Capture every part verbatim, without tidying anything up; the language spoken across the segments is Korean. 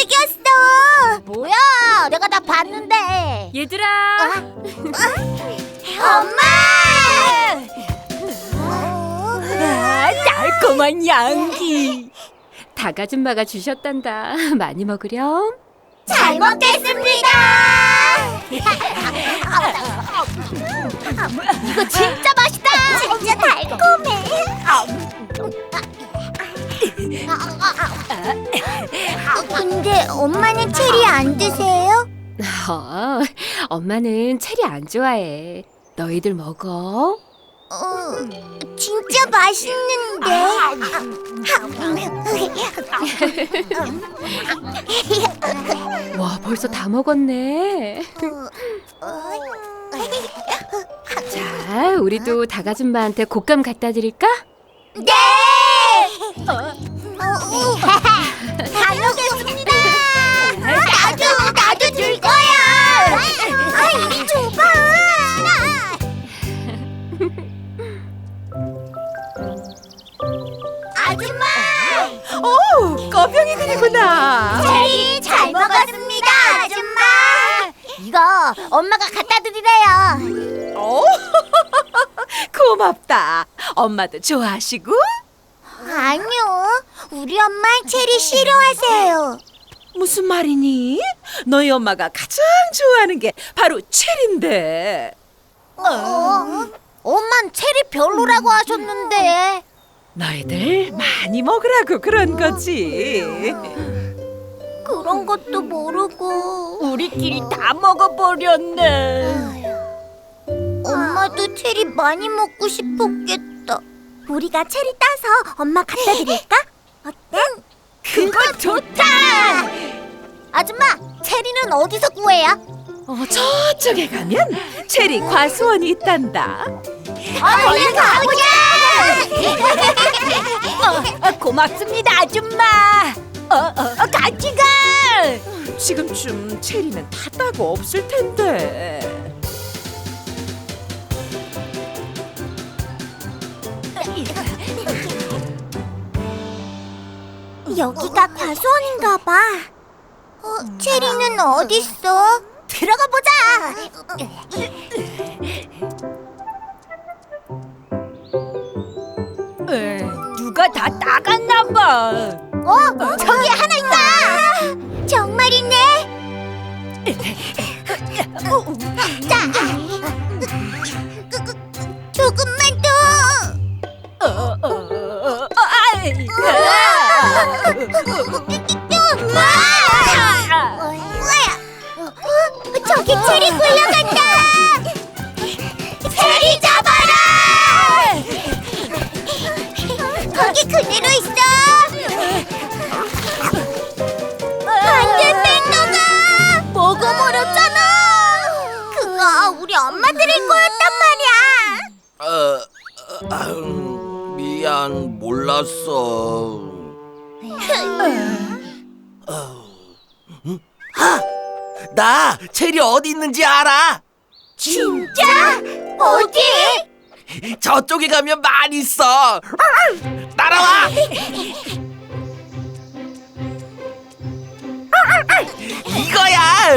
움직였어. 뭐야? 내가 다 봤는데. 얘들아. 엄마! 아, 달콤한 양기. 닭 아줌마가 주셨단다. 많이 먹으렴. 잘 먹겠습니다. 이거 진짜 맛있다. 진짜 달콤해. 근데 엄마는 체리 안 드세요? 어, 엄마는 체리 안 좋아해. 너희들 먹어. 어, 진짜 맛있는데. 와, 벌써 다 먹었네. 자, 우리도 닭 아줌마한테 곶감 갖다 드릴까? 네! 잘 먹겠습니다. 나도 나도 줄 거야. 아, 이리 줘봐. 아줌마. 오, 꺼병이들이구나. 체리 잘 먹었습니다, 아줌마. 이거 엄마가 갖다 드리래요. 오, 고맙다. 엄마도 좋아하시고? 아니요, 우리 엄마 체리 싫어하세요. 무슨 말이니? 너희 엄마가 가장 좋아하는 게 바로 체리인데. 어? 엄만 체리 별로라고 하셨는데. 너희들 많이 먹으라고 그런 거지. 그런 것도 모르고 우리끼리 다 먹어버렸네. 엄마도 체리 많이 먹고 싶었겠다. 우리가 체리 따서 엄마 갖다 드릴까? 어때? 그거 좋다. 아줌마, 체리는 어디서 구해요? 어, 저쪽에 가면 체리 과수원이 있단다. 얼른 가보자! 어, 고맙습니다, 아줌마. 어, 어, 같이 가. 지금쯤 체리는 다 따고 없을 텐데. 여기가 과수원인가 봐. 어, 체리는 어딨어? 들어가 보자. 에, 누가 다 따갔나 봐. 어, 저기 하나 있다. 정말이네. 자, 조금만 더. 어, 어, 어, 아이. 어, 저기 체리 굴려간다. 체리 잡아라. 거기 그대로 있어. 안돼, 뺑도가 먹어버렸잖아. 그거 우리 엄마 드릴 거였단 말이야. 어, 어, 아음, 미안, 몰랐어. 하! 나 체리 어디 있는지 알아? 진짜? 어디? 저쪽에 가면 많이 있어. 따라와. 이거야.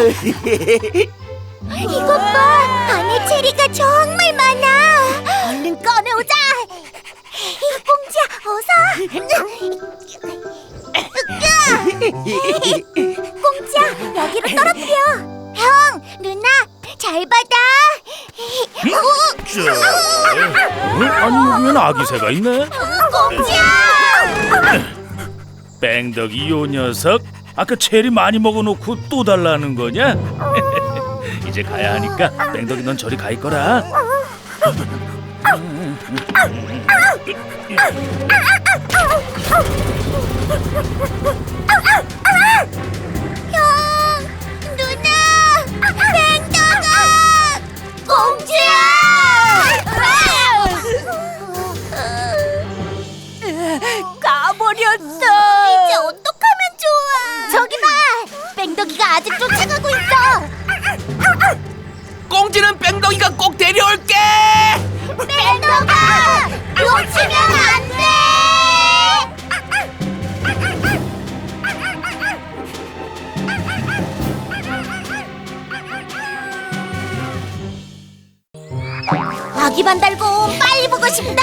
이것 봐, 안에 체리가 정말 많아. 얼른 꺼내오자. 꽁지야, 어서. 꽁지야, 여기로 떨어뜨려. 형, 누나, 잘 받아. 아니 여기엔 아기새가 있네. 꽁지야. 뺑덕이 요 녀석 아까 체리 많이 먹어놓고 또 달라는 거냐? 이제 가야 하니까 뺑덕이 넌 저리 가 있거라. 형, 누나, 뱅덕아, 꽁지야. 가버렸어. 이제 어떡하면 좋아. 저기 봐, 뱅덕이가 아직 쫓아가고 있어. 꽁지는 뺑덕이가 꼭 데려올게. 뱅덕아, 놓치면 안 돼. 아기 반달곰 빨리 보고 싶다.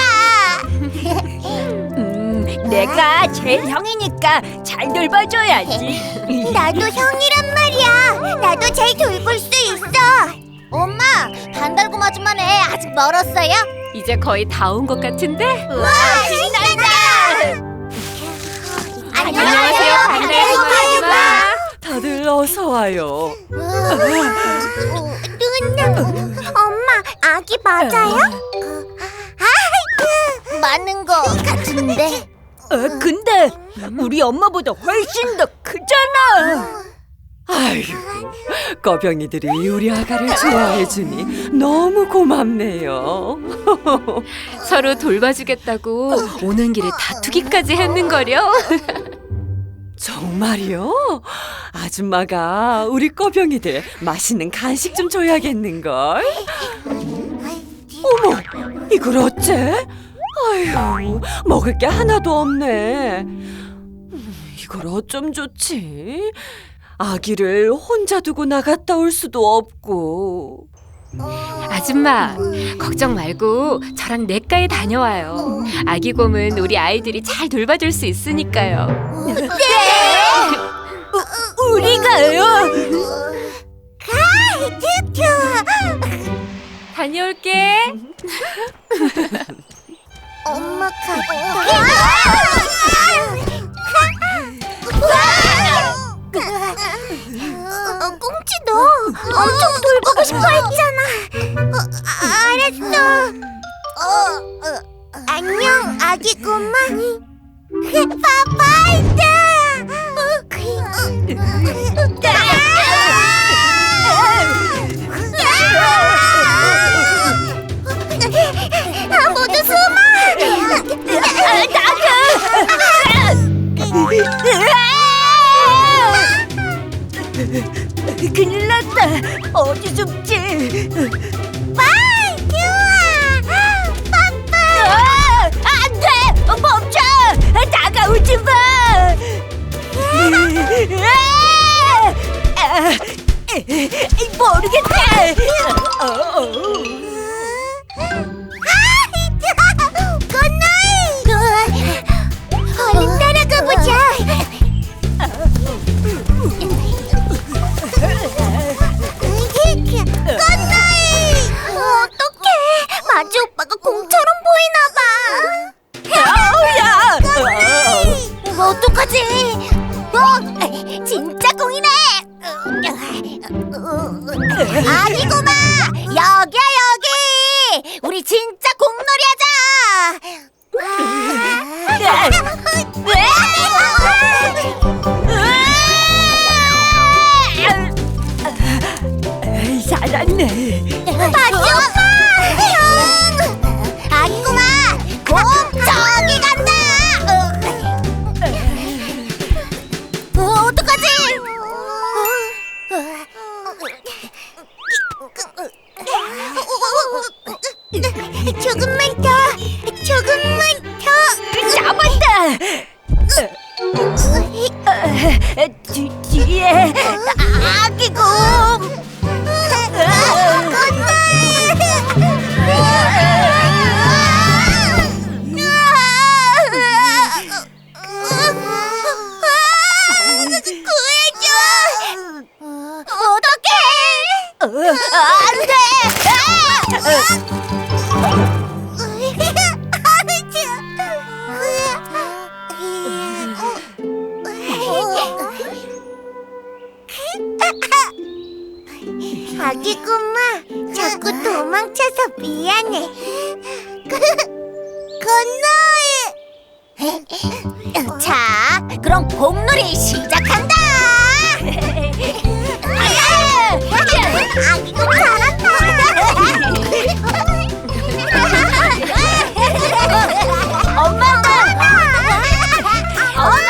음, 내가 제일 형이니까 잘 돌봐줘야지. 나도 형이란 말이야. 나도 잘 돌볼 수 있어. 엄마, 반달곰 아줌마네 아직 멀었어요? 이제 거의 다 온 것 같은데? 와, 신난다. 안녕하세요, 반달곰 아줌마. 다들 어서 와요. 누나, 엄마, 아기 맞아요? 아, 맞는 거 같은데. 어, 근데 우리 엄마보다 훨씬 더 크잖아. 아이고, 꺼병이들이 우리 아가를 좋아해주니 너무 고맙네요. 서로 돌봐주겠다고 오는 길에 다투기까지 했는거려. 정말요? 아줌마가 우리 꺼병이들 맛있는 간식 좀 줘야겠는걸? 어머, 이걸 어째? 아휴, 먹을 게 하나도 없네. 음, 이걸 어쩜 좋지? 아기를 혼자 두고 나갔다 올 수도 없고. 아줌마, 걱정 말고 저랑 내과에 다녀와요. 아기곰은 우리 아이들이 잘 돌봐줄 수 있으니까요. 우, 우리가요? 다녀올게. 엄마 갔다. 어, 꽁치 너 엄청 돌보고 싶어 했잖아. 어, 알았어. 어, 어, 안녕 아기 꼬마. 파파이다. 아, 모두 숨어. 큰일 났다. 어디 숨지? 빠이 좋아. 빠빠. 아, 안 돼! 멈춰! 다가오지 마! 아, 모르겠다. 어, 어. 건너이. 얼른 따라가 보자. 건너이. 어떡해. 마지 오빠가 공처럼 보이나 봐. 야! 어떡하지? 어, 진짜 공이네. 아니구마. 여기야 여기. 우리 진짜 공놀이 하자. 잘았네. 마지 오빠. 형. 아니구마. 공 저기 간다. 어, 어떡하지? 조금만 더, 조금만 더. 잡았다. 뒤, 뒤에 아기곰. 안 돼! 아기 꼬마, 자꾸 도망쳐서 미안해. 건너이. 자, 그럼 공놀이 시작한다. 아기 꼬마 잘한다. 엄마, 엄마,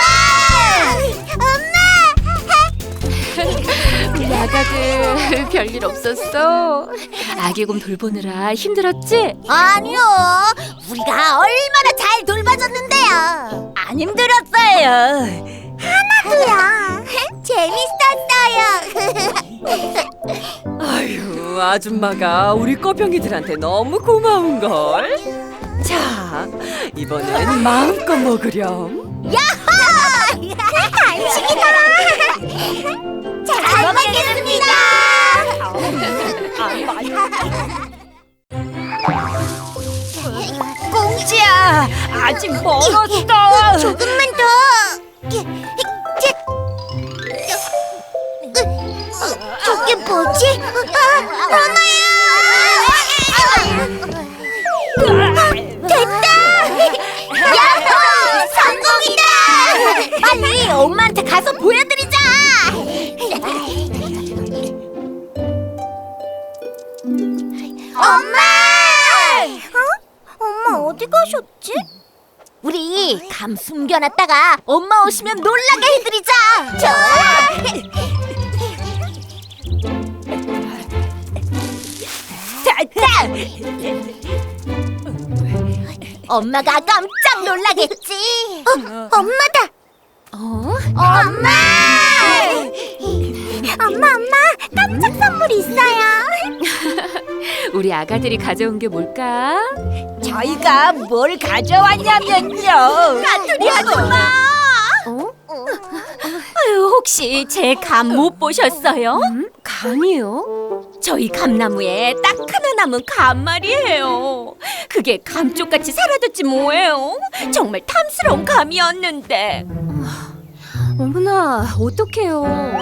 우리 아가들 별일 없었어? 아기곰 돌보느라 힘들었지? 아니요, 우리가 얼마나 잘 돌봐줬는데요. 안 힘들었어요. 하나도요. 재밌었어요. 아유, 아유, 아줌마가 우리 꺼병이들한테 너무 고마운걸. 자, 이번엔 마음껏 먹으렴. 간식이다. 잘 먹겠습니다. 꽁지야, 아직 멀었어. 조금만 더. 저게 뭐지? 아, 엄마야! 됐다! 야호! 성공이다! 빨리 엄마한테 가서 보여드리자! 엄마! 어? 엄마 어디 가셨지? 우리 감 숨겨놨다가 엄마 오시면 놀라게 해드리자! 좋아! 됐다! 엄마가 깜짝 놀라겠지? 어, 엄마다! 어? 엄마! 엄마, 엄마! 깜짝 선물 있어요! 우리 아가들이 가져온 게 뭘까? 저희가 뭘 가져왔냐면요. 까투리 아줌마! 어? 아유, 혹시 제 감 못 보셨어요? 음? 감이요? 저희 감나무에 딱 하나 남은 감 말이에요. 그게 감쪽같이 사라졌지 뭐예요. 정말 탐스러운 감이었는데. 어머나, 어떡해요.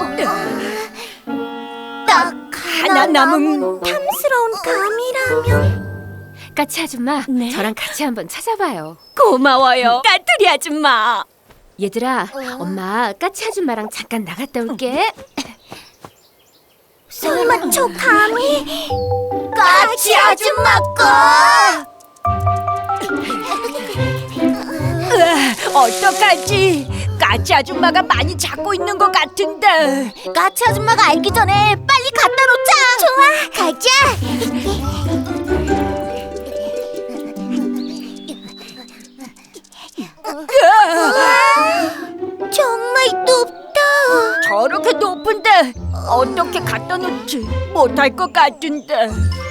딱 하나 남은 탐스러운 감이라면. 까치 아줌마, 네? 저랑 같이 한번 찾아봐요. 고마워요, 까투리 아줌마. 얘들아, 엄마 까치 아줌마랑 잠깐 나갔다 올게. 설마 저 감이 까치 아줌마 거? 어떡하지? 까치 아줌마가 많이 잡고 있는 것 같은데. 까치 아줌마가 알기 전에 빨리 갖다 놓자. 좋아, 가자. 우와, 정말 높다. 저렇게 높은데 어떻게 갖다 놓지 못할 것 같은데.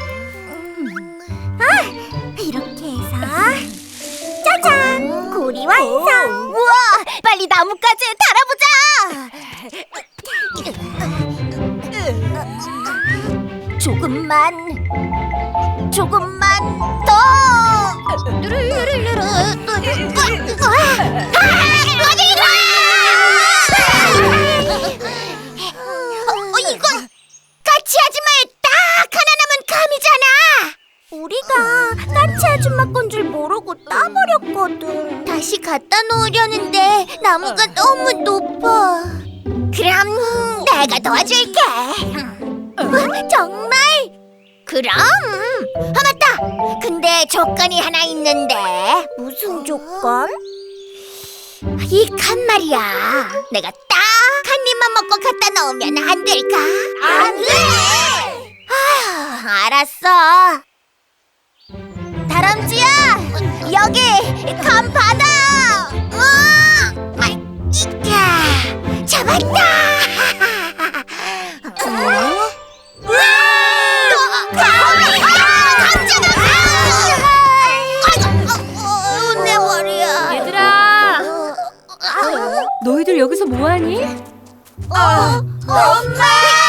이렇게 해서 짜잔! 고리 완성! 우와! 빨리 나뭇가지에 달아보자! 조금만 조금만 더! 누르르르르 어디 가! 어, 이건 까치 아줌마의 딱 하나 남은 감이잖아! 우리가 까치 아줌마 건 줄 모르고 따버렸거든. 다시 갖다 놓으려는데 나무가 너무 높아. 그럼 내가 도와줄게. 어, 정말? 그럼. 아, 맞다. 근데 조건이 하나 있는데. 무슨 조건? 이 칸 말이야. 내가 딱 한 입만 먹고 갖다 놓으면 안 될까? 안 돼! 아휴, 알았어. 다람쥐야, 여기 감 받아. 어, 아, 이까 잡았다. 어? 우와, 감이 감잖아. 아이고, 내 머리야. 얘들아, 너희들 여기서 뭐하니? 어, 엄마.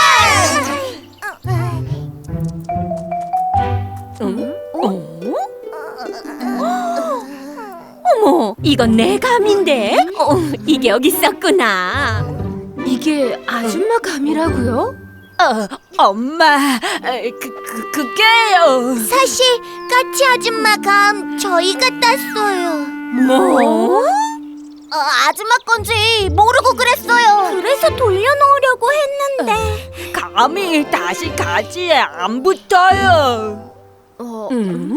응? 어? 어머, 이건 내 감인데? 어, 이게 여기 있었구나. 이게 아줌마 감이라고요? 어, 엄마, 그, 그, 그게요. 사실 까치 아줌마 감 저희가 땄어요. 뭐? 어, 아줌마 건지 모르고 그랬어요. 그래서 돌려놓으려고 했는데. 감이 다시 가지에 안 붙어요. 어, 음?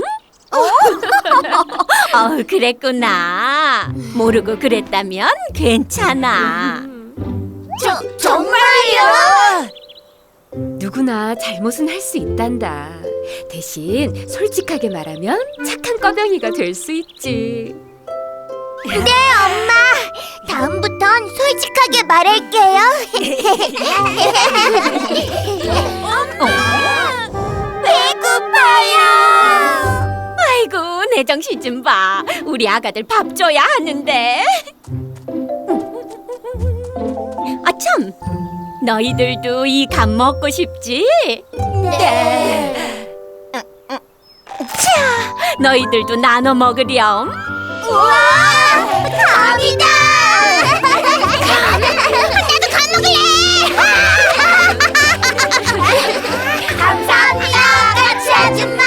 어, 그랬구나. 모르고 그랬다면 괜찮아. 저, 정말요? 누구나 잘못은 할 수 있단다. 대신 솔직하게 말하면 착한 꺼병이가 될 수 있지. 네, 엄마. 다음부턴 솔직하게 말할게요. 어? 제정신 좀 봐. 우리 아가들 밥 줘야 하는데. 아참, 너희들도 이 감 먹고 싶지? 네. 너희들도 나눠 먹으렴. 우와! 감이다! 나도 감 먹을래! 감사합니다, 까치 아줌마!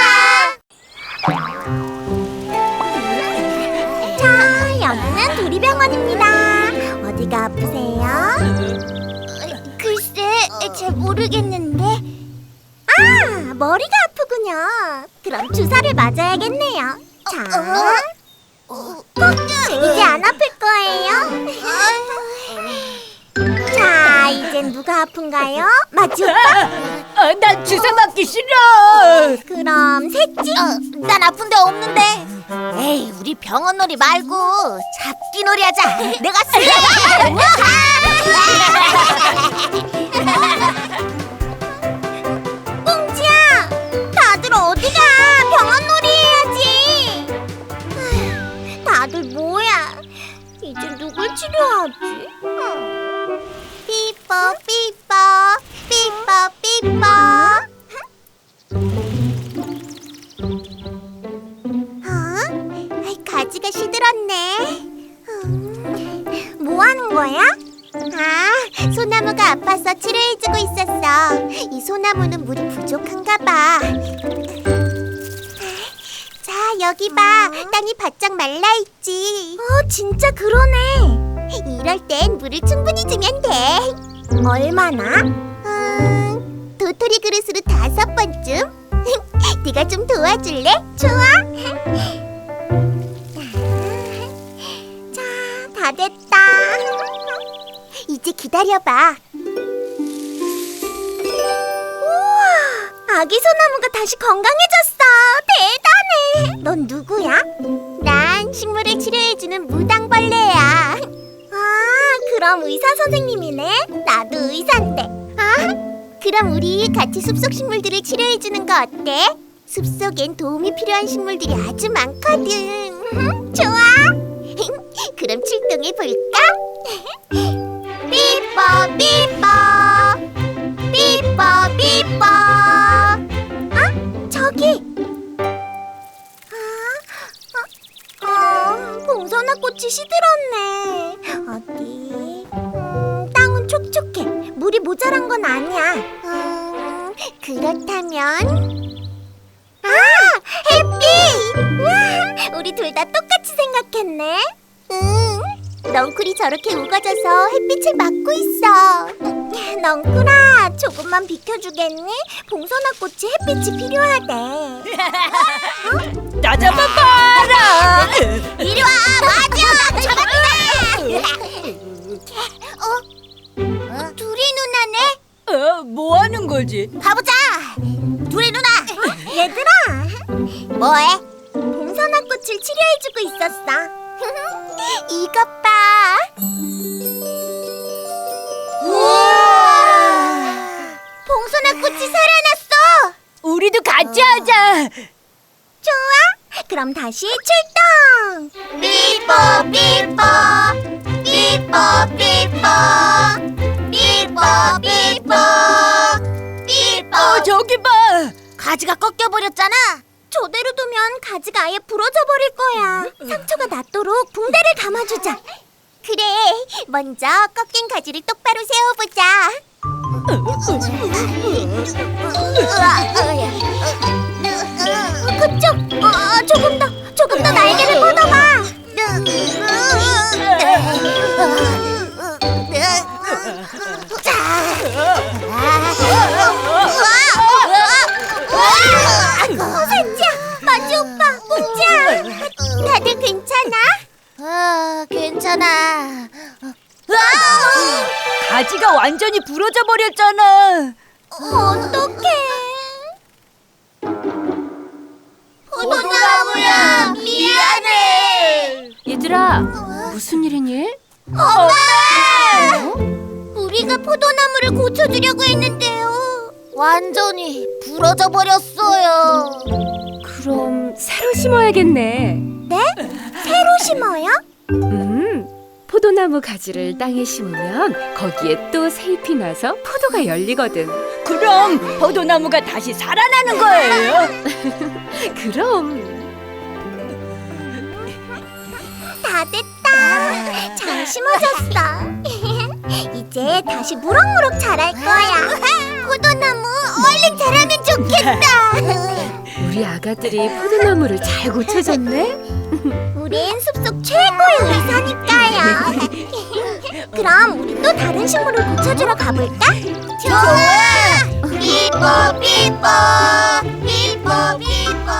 자, 여기는 도리병원입니다. 어디가 아프세요? 글쎄, 잘 모르겠는데. 아, 머리가 아프군요. 그럼 주사를 맞아야겠네요. 자, 이제 안 아플 거예요. 자, 이젠 누가 아픈가요? 마치 오빠? 아, 난 주사 맞기 싫어. 그럼 셋째? 난 아픈 데 없는데. 에이, 우리 병원 놀이 말고 잡기 놀이 하자. 내가 쓸래. 꽁지야, 다들 어디가? 병원 놀이 해야지. 아휴, 다들 뭐야? 이제 누굴 치료하지? 삐뽀 삐뽀 삐뽀 삐뽀. 어? 아이, 가지가 시들었네. 음, 뭐 하는 거야? 아, 소나무가 아파서 치료해주고 있었어. 이 소나무는 물이 부족한가 봐. 자, 여기 봐. 땅이 바짝 말라있지. 어, 진짜 그러네. 이럴 땐 물을 충분히 주면 돼. 얼마나? 음, 도토리 그릇으로 다섯 번쯤. 네가 좀 도와줄래? 좋아. 자, 다 됐다. 이제 기다려봐. 우와, 아기 소나무가 다시 건강해졌어. 대단해. 넌 누구야? 난 식물을 치료해주는 무당벌레야. 아, 그럼 의사 선생님이네. 나도 의사인데. 아, 그럼 우리 같이 숲속 식물들을 치료해주는 거 어때? 숲속엔 도움이 필요한 식물들이 아주 많거든. 좋아. 그럼 출동해 볼까? 삐뽀 삐뽀 삐뽀 삐뽀. 아, 저기. 아, 어, 어, 봉선화 꽃이 시들었네. 어디? 음, 땅은 촉촉해. 물이 모자란 건 아니야. 음, 그렇다면. 아, 햇빛! 와, 우리 둘 다 똑같이 생각했네. 응, 넝쿨이 저렇게 우거져서 햇빛을 막고 있어. 넝쿨아, 조금만 비켜주겠니? 봉선화 꽃이 햇빛이 필요하대. 나 잡아봐라. 이리 와, 맞아! 잡았다! 어? 둘이 누나네? 어, 뭐 하는 거지? 가보자! 둘이 누나! 얘들아! 뭐해? 봉선화 꽃을 치료해주고 있었어. 이것 봐! 우와! 봉선화 꽃이 살아났어! 우리도 같이 하자. 좋아! 그럼 다시 출동! 삐뽀 삐뽀 삐뽀 삐뽀 삐뽀 삐뽀 삐뽀. 어, 저기 봐. 가지가 꺾여버렸잖아. 저대로 두면 가지가 아예 부러져 버릴 거야. 상처가 낫도록 붕대를 감아주자. 그래, 먼저 꺾인 가지를 똑바로 세워보자. 그쪽, 어, 조금 더, 조금 더 날개를 뻗어봐. 산지야, 마지 오빠, 꽁지야, 다들 괜찮아? 아, 괜찮아. 가지가 완전히 부러져 버렸잖아. 어떡해? 포도나무야, 미안해. 얘들아, 무슨 일이니? 엄마! 우리가 포도나무를 고쳐주려고 했는데요. 완전히 부러져 버렸어요. 그럼 새로 심어야겠네. 새로 심어요? 음, 포도나무 가지를 땅에 심으면 거기에 또 새잎이 나서 포도가 열리거든. 그럼 포도나무가 다시 살아나는 거예요? 그럼. 다 됐다. 잘 심어졌어. 이제 다시 무럭무럭 자랄 거야. 포도나무 얼른 자라면 좋겠다. 우리 아가들이 포도나무를 잘 고쳐줬네. 우린 숲속 최고의 의사니까요. 그럼 우리 또 다른 식물을 고쳐주러 가볼까? 좋아! 삐뽀 삐뽀 삐뽀 삐뽀.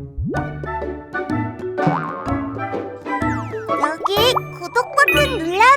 여기 구독 버튼 눌러요.